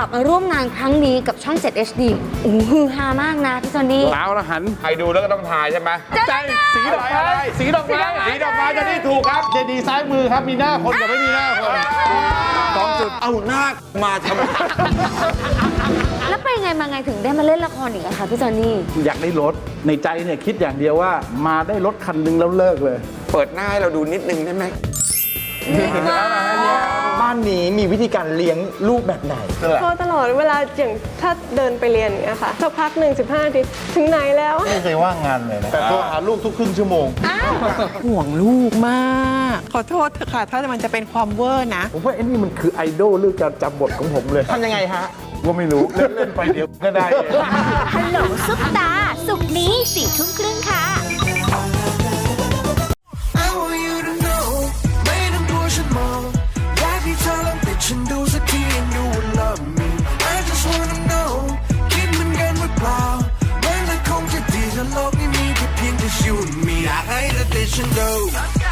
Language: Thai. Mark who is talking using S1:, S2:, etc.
S1: ลับมาร่วมงานครั้งนี้กับช่อง 7 HD โอ้โหฮือฮามากนะพี่จอนนี่
S2: เอาละหัน
S3: ใครดูแล้วก็ต้องทายใช่ไหม
S2: ใจสีดอกไม้สีดอกไม้
S3: สีดอกไม้จะนี่ถูกครับ
S2: เจดีซ้ายมือครับมีหน้าคนกับไม่มีหน้าคน2 จุด
S3: เอาหน้ามาทำไม
S1: แล้วไปไงมาไงถึงได้มาเล่นละครอีกอะคะพี่จอนนี่
S2: อยากได้รถในใจเนี่ยคิดอย่างเดียวว่ามาได้รถคันหนึงแล้วเลิกเลย
S3: เปิดหน้าให้เราดูนิดนึงได้ไหม
S4: บ้านนี้มีวิธีการเลี้ยงลูกแบบไหน
S5: โทรตลอดเวลาอย่างถ้าเดินไปเรียนอย่างเงี้ยค่ะสักพักหนึ่ง15 นาทีถึงไหนแล้ว
S2: ไม่เคยว่างงานเลยนะแต่โทรหาลูกทุกครึ่งชั่วโมง
S6: ห่วงลูกมาก ขอโทษเถอะค่ะ ถ้ามันจะเป็นความเวอร์นะ
S2: ผมว่าไอ้นี่มันคือไอดอลเรื่องการจำบทของผมเลย
S4: ทำยังไงฮะ
S2: ว่าไม่รู้ เล่นๆไปเดี๋ยวก็ได้เอง
S7: ฮัลโหลซุปตา ศุกร์นี้4 ทุ่มครึ่งค่ะ
S8: I want you to know ไม่ต้องกลัวฉันมองอยากให้เธอลองติดฉันดูสักที and you will love me I just wanna know คิดเหมือนกันหรือเปล่ามันก็คงจะดีถ้าโลกนี้มีแค่เพียงแต่ you and me อยากให้เธอติดฉันดู